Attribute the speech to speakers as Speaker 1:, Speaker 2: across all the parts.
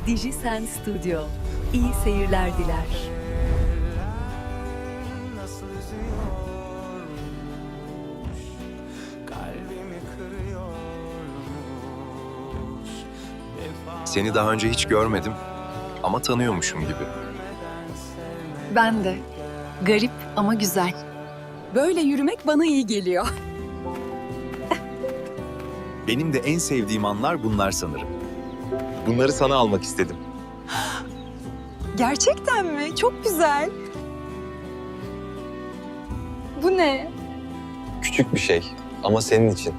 Speaker 1: Dijisen Studio. İyi seyirler diler.
Speaker 2: Nasıl üzüyormuş, kalbimi kırıyormuş.
Speaker 3: Seni daha önce hiç görmedim ama tanıyormuşum gibi.
Speaker 4: Ben de. Garip ama güzel. Böyle yürümek bana iyi geliyor.
Speaker 5: Benim de en sevdiğim anlar bunlar sanırım. Bunları sana almak istedim.
Speaker 4: Gerçekten mi? Çok güzel. Bu ne?
Speaker 6: Küçük bir şey ama senin için.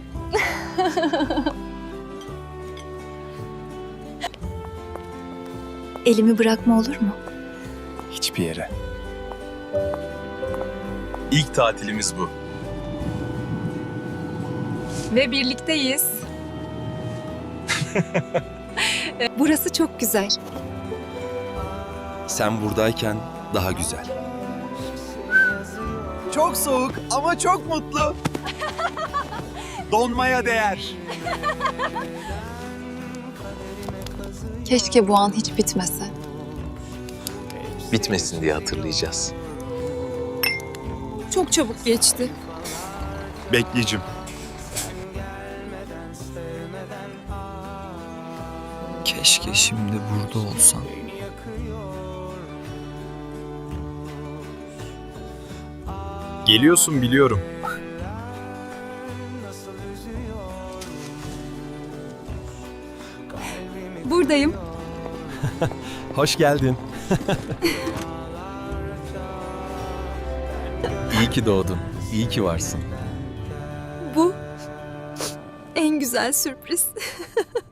Speaker 7: Elimi bırakma olur mu?
Speaker 5: Hiçbir yere. İlk tatilimiz bu.
Speaker 4: Ve birlikteyiz.
Speaker 7: Burası çok güzel.
Speaker 5: Sen buradayken daha güzel.
Speaker 8: Çok soğuk ama çok mutlu. Donmaya değer.
Speaker 4: Keşke bu an hiç bitmese.
Speaker 3: Bitmesin diye hatırlayacağız.
Speaker 4: Çok çabuk geçti.
Speaker 5: Bekleyicim.
Speaker 8: Keşke şimdi burada olsan.
Speaker 5: Geliyorsun biliyorum.
Speaker 4: Buradayım.
Speaker 5: Hoş geldin. İyi ki doğdun. İyi ki varsın.
Speaker 4: Bu en güzel sürpriz.